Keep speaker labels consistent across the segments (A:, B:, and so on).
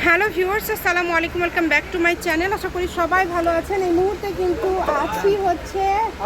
A: Hello viewers, আসসালামু আলাইকুম, welcome back to my channel. আশা করি সবাই ভালো আছেন। এই মুহূর্তে কিন্তু আছি হচ্ছে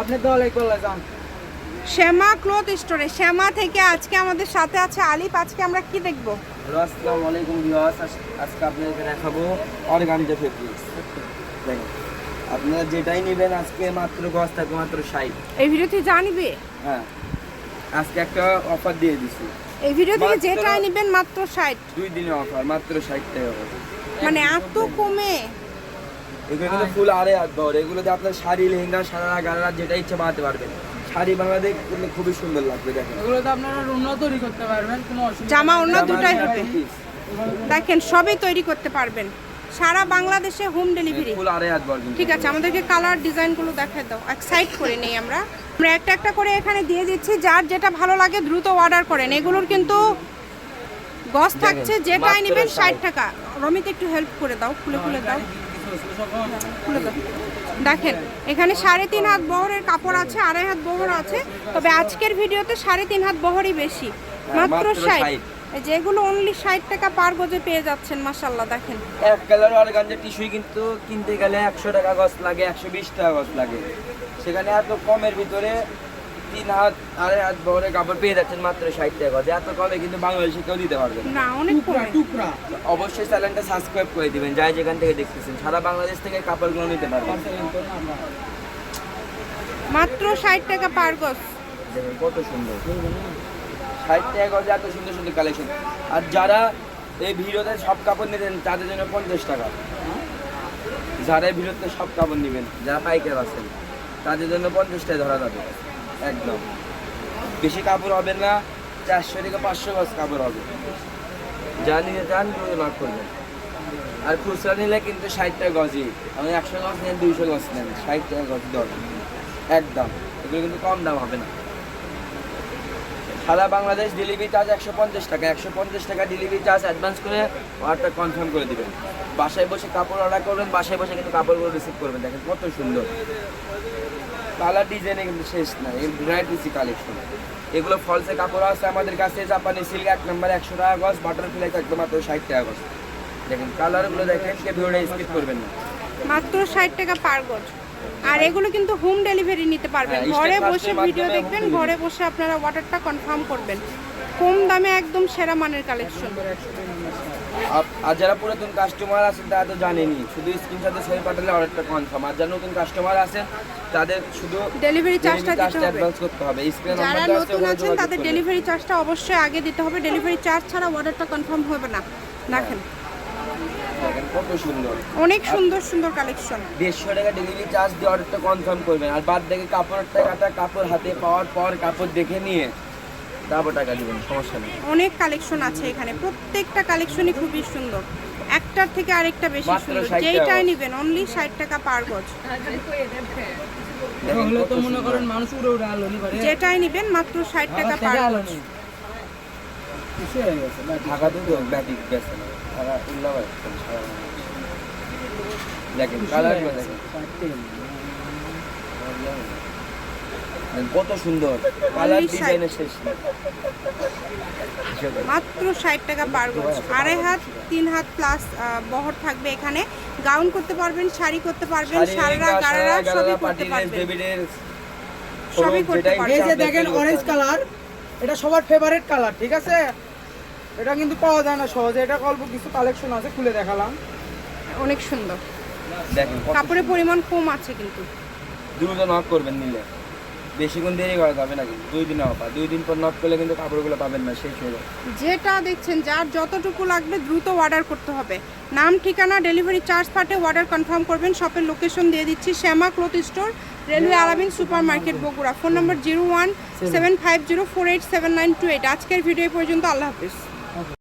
A: শ্যামা ক্লথ স্টোরে। শ্যামা থেকে আজকে আমাদের সাথে আছে আলিফ। আজকে আমরা কি দেখব?
B: আসসালামু আলাইকুম ভিউয়ার্স, আজকে আপনাদের দেখাবো অর্গানজা ফেব্রিক্স। দেখেন, আপনারা যেটাই নেবেন আজকে মাত্র গজ থাকবে মাত্র 60।
A: এই ভিডিওতে জানিবে,
B: হ্যাঁ, আজকে একটা অফার দিয়ে দিছি।
A: এই ভিডিও থেকে যেটাই নেবেন মাত্র 60।
B: 2 দিনের অফার, মাত্র 60 টাকা করে।
A: মানে এত কমে?
B: এগুলো কিন্তু ফুল আড়ে হাত বহর। এগুলোতে আপনার শাড়ি, লেহেঙ্গা, সারা গাড়া যেটা ইচ্ছা বানাতে পারবেন। শাড়ি বানাতে করলে খুবই সুন্দর লাগবে। দেখেন,
C: এগুলোতে আপনারা ওড়না তৈরি করতে পারবেন, কোনো অসুবিধা
A: জামা ওড়না দুটাই হবে।
B: piece,
A: দেখেন, সবই তৈরি করতে পারবেন, সারা বাংলাদেশে হোম ডেলিভারি।
B: ফুল আড়ে হাত বহর।
A: ঠিক আছে, আমাদেরকে কালার ডিজাইনগুলো দেখায় দাও, এক সাইড করে নেই আমরা একটা একটা করে এখানে দিয়ে দিচ্ছি। যার যেটা ভালো লাগে দ্রুত অর্ডার করেন। এগুলোর কিন্তু গজ থাকছে, যেটাই নেবেন 60 টাকা। রমিতে একটু হেল্প করে দাও, খুলে খুলে দাও, খুলে দাও। দেখেন, এখানে 3.5 হাত বহরের কাপড় আছে, 2.5 হাত বহর আছে। তবে আজকের ভিডিওতে 3.5 হাত বহরই বেশি, মাত্র 60। যেগুলো অনলি 60 টাকা পার গজে পেয়ে যাচ্ছেন। মাশাআল্লাহ, দেখেন
B: এক কালার অর্গানজা টিস্যুই কিন্তু কিনতে গেলে 100 টাকা গজ লাগে, 120 টাকা গজ লাগে। সেখানে এত কমের ভিতরে 3 হাত 2.5 হাত বহরের কাপড় পেয়ে যাচ্ছেন মাত্র 60 টাকা গজ। এত কমে কিন্তু বাংলাদেশে কেউ দিতে পারবে
A: না, অনেক কমে।
C: টুকরা
B: অবশ্যই চ্যানেলটা সাবস্ক্রাইব করে দিবেন, যাই যেখান থেকে দেখতেছেন সারা বাংলাদেশ থেকে কাপড়গুলো নিতে পারবেন।
A: মাত্র 60 টাকা পার গজ।
B: দেখেন কত সুন্দর, 60 টাকা গজে এত সুন্দর সুন্দর কালেকশন। আর যারা এই ভিডিওতে সব কাপড় নিতেন তাদের জন্য 50 টাকা। যারা এই ভিডিওতে সব কাপড় নেবেন, যারা পাইকার আছেন তাদের জন্য 50 টাকা ধরা যাবে। একদম বেশি কাপড় হবে না, 400 থেকে 500 গজ কাপড় হবে। যা নিতে চান নক করবেন। আর খুচরা নিলে কিন্তু 60 টাকা গজই। আমি 100 গজ নেন, 200 গজ নেন, 60 টাকা গজ দর একদম। এগুলো কিন্তু কম দাম হবে না। সারা বাংলাদেশ ডেলিভারি চার্জ 150 টাকা। 150 টাকা ডেলিভারি চার্জ অ্যাডভান্স করে অর্ডারটা কনফার্ম করে দিবেন। বাসায় বসে কাপড় অর্ডার করবেন, বাসায় বসে কিন্তু কাপড়গুলো রিসিভ করবেন। দেখেন কত সুন্দর কালার, ডিজাইনে কিন্তু শেষ না। এই ভ্যারাইটিসি কালেকশন। এগুলো ফলসে কাপড় আছে আমাদের কাছে। জাপানি সিল্ক 1 নম্বর 100 টাকা গজ, বাটারফ্লাই থাকবে মাত্র 60 টাকা গজ। দেখেন কালারগুলো দেখেন, কে ভিডিওটা স্কিপ করবেন না।
A: মাত্র 60 টাকা পার গজ। আর এগুলো কিন্তু হোম ডেলিভারি নিতে পারবেন।
B: হ্যাঁ,
A: ঘরে
B: স্টেপ
A: বসে
B: ফাস্টের
A: ভিডিও
B: মাধ্যমে
A: দেখবেন,
B: home
A: ঘরে বসে আপনারা অর্ডারটা কনফার্ম করবেন। কম দামে একদম সেরা মানের কালেকশন।
B: আর যারা পুরাতন কাস্টমার আছেন তারা তো জানেনই, শুধু স্ক্রিনশটে ছবি পাঠালে অর্ডারটা কনফার্ম। আর যারা নতুন কাস্টমার আছেন তাদের শুধু
A: ডেলিভারি চার্জটা দিতে হবে।
B: অ্যাডভান্স করতে হবে। স্ক্রিনে
A: যারা
B: নাম্বার দেওয়া আছে,
A: নতুন
B: ওখানে
A: আছেন
B: যোগাযোগ
A: তাদের
B: করবেন।
A: ডেলিভারি চার্জটা অবশ্যই আগে দিতে হবে। ডেলিভারি চার্জ ছাড়া অর্ডারটা কনফার্ম হবে না। দেখেন
B: দেখেন কত সুন্দর,
A: অনেক সুন্দর সুন্দর কালেকশন।
B: 150 টাকা ডেলিভারি চার্জ দিয়ে অর্ডারটা কনফার্ম করবেন। আর বাদ দেখে কাপড়ের টাকাটা কাপড় হাতে পাওয়ার পর কাপড় দেখে নিয়ে তারপর টাকা দিবেন, সমস্যা নেই।
A: অনেক কালেকশন আছে এখানে, প্রত্যেকটা কালেকশনই খুবই সুন্দর, একটার থেকে আরেকটা বেশি
B: মাত্র
A: সুন্দর।
B: 60
A: যেইটাই
B: টাকা।
A: নেবেন অনলি 60 টাকা পার গজ।
B: দেখেন
C: হলে
B: কত
C: তো মনে
B: সুন্দর।
C: করেন মানুষ উড়ে উড়ে আলো নিবারে
A: যেটাই নেবেন মাত্র 60 টাকা পার
C: আলো
A: গজ।
C: নেই কিছু হয়ে গেছে
B: ঢাকাতে তো ব্যাটিক গেছে না, তারা উল্লাবাদ দেখেন কালারগুলো দেখেন কত সুন্দর কালার,
A: Only
B: ডিজাইনের শেষ নেই।
A: মাত্র 60 টাকা পার গজ। 2.5 হাত 3 হাত প্লাস বহর থাকবে এখানে। গাউন করতে পারবেন, শাড়ি করতে পারবেন, সারা গারারা সবই করতে পারবেন, সবই করতে পারবেন।
C: এই যে দেখেন অরেঞ্জ কালার, এটা সবার ফেভারিট কালার, ঠিক আছে? এটা কিন্তু পাওয়া যায় না সহজে। এটা অল্প কিছু কালেকশন আছে, খুলে দেখালাম।
A: অনেক সুন্দর,
B: দেখেন কত
A: কাপড়ের পরিমাণ কম আছে কিন্তু।
B: দ্রুত নক করবেন নিলে, বেশিক্ষণ দেরি করা যাবে না কিন্তু। 2 দিন অফার, 2 দিন পর নক করলে কিন্তু কাপড়গুলো পাবেন না, শেষ হয়ে যাবে।
A: যেটা দেখছেন, যার যতটুকু লাগবে দ্রুত অর্ডার করতে হবে। নাম, ঠিকানা, ডেলিভারি চার্জ পাঠে অর্ডার কনফার্ম করবেন। শপের লোকেশন দিয়ে দিচ্ছি, Shyama cloth store, railway Alamin super market, Bogura. Phone number 0175048792 8। আজকের ভিডিও পর্যন্ত, আল্লাহ হাফিজ।